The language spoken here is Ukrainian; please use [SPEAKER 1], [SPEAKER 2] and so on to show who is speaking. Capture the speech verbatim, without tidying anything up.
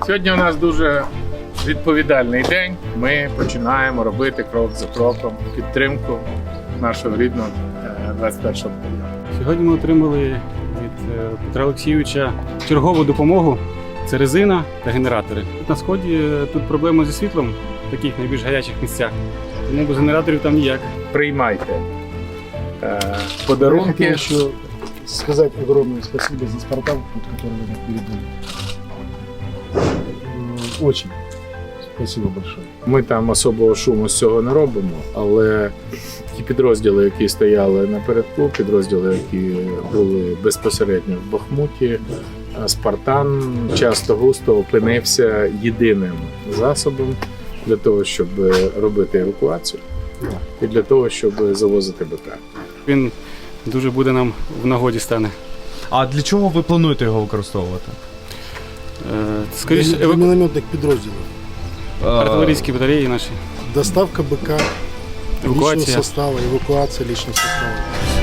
[SPEAKER 1] Сьогодні у нас дуже відповідальний день. Ми починаємо робити крок за кроком підтримку нашого рідного двадцять першого батальйону.
[SPEAKER 2] Сьогодні ми отримали від Петра Олексійовича чергову допомогу. Це резина та генератори. Тут на сході тут проблема зі світлом в таких найбільш гарячих місцях. Тому без генераторів там ніяк.
[SPEAKER 1] Приймайте е, подарунки.
[SPEAKER 3] Я хотел еще сказать огромное спасибо за «Спартак», вот, который вы нам передали. М, Очень спасибо большое.
[SPEAKER 1] Ми там особого шуму з цього не робимо, але ті підрозділи, які стояли напередку, підрозділи, які були безпосередньо в Бахмуті, Спартан часто густо опинився єдиним засобом для того, щоб робити евакуацію і для того, щоб завозити БК.
[SPEAKER 2] Він дуже буде нам в нагоді стане.
[SPEAKER 4] А для чого ви плануєте його використовувати?
[SPEAKER 2] Е, Скоріше,
[SPEAKER 3] Для
[SPEAKER 2] еваку...
[SPEAKER 3] минометных подразделов.
[SPEAKER 2] артилерійські батареї наші.
[SPEAKER 3] Доставка БК, личного
[SPEAKER 2] Эвакуация.
[SPEAKER 3] состава, эвакуация личного состава.